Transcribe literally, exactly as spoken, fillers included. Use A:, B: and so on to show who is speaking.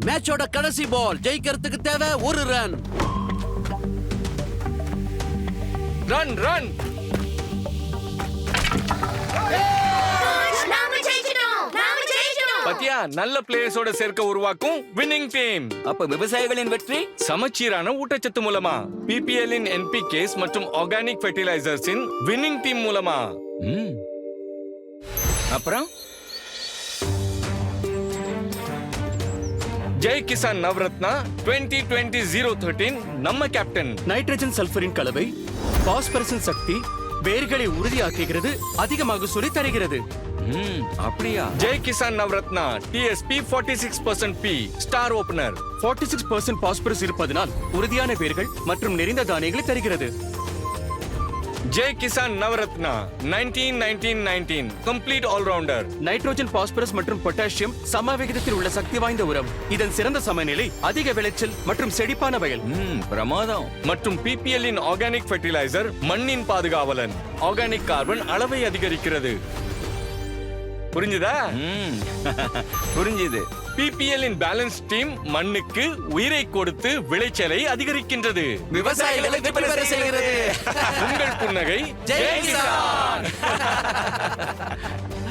A: மேட்சோட கடைசி பால், ஜெயிக்கிறதுக்கு தேவை ஒரு ரன்.
B: ரன் ரன் பத்தியா, நல்ல பிளேயர்ஸோட சேர்க்க உருவாக்கும் வின்னிங் டீம்.
C: அப்ப விவசாயிகளின் வெற்றி
B: சமச்சீரான ஊட்டச்சத்து மூலமா, பிபிஎல் இன் என்பிகேஸ் மற்றும் ஆர்கானிக் ஃபெர்டிலைசர்ஸ் இன் வின்னிங் டீம் மூலமா.
C: ம். அப்புறம்
B: Jai Kisan Navaratna twenty twenty zero thirteen நம்ம கேப்டன்.
D: நைட்ரஜன் சல்பரின் கலவை பாஸ்பரஸின் சக்தி வேர்களை உறுதியாக்குகிறது, அதிக மகசூலை தருகிறது.
C: ம், அப்படியா?
B: Jai Kisan Navratna DSP forty six percent P star opener.
D: நாற்பத்தி ஆறு சதவீதம் பாஸ்பரஸ் இருப்பதனால் உறுதியான வேர்கள் மற்றும் நெறிந்த தானியங்களை தருகிறது.
B: Jai Kisan Navratna nineteen nineteen nineteen complete all rounder.
D: Nitrogen, phosphorus மற்றும் பொட்டாசியம் சம விகிதத்தில் உள்ள சக்தி வாய்ந்த உரம். இதன் சிறந்த சமநிலை அதிக விளைச்சல் மற்றும் செழிப்பான வயல்.
C: ம், பிரமாதம்.
B: மற்றும் பிபிஎல் இன் ஆர்கானிக் ஃபெர்டிலைசர் மண்ணின் பாதுகாவலன். ஆர்கானிக் கார்பன் அளவை அதிகரிக்கிறது. புரிஞ்சுதா?
C: ம், புரிஞ்சுது.
B: பிபிஎல் இன் பேலன்ஸ் டீம் மண்ணுக்கு உயிரை கொடுத்து விளைச்சலை அதிகரிக்கின்றது.
A: விவசாயிகளை வெற்றி பெற செய்கிறது.
B: உங்கள் புன்னகை
A: ஜெய் கிசான்.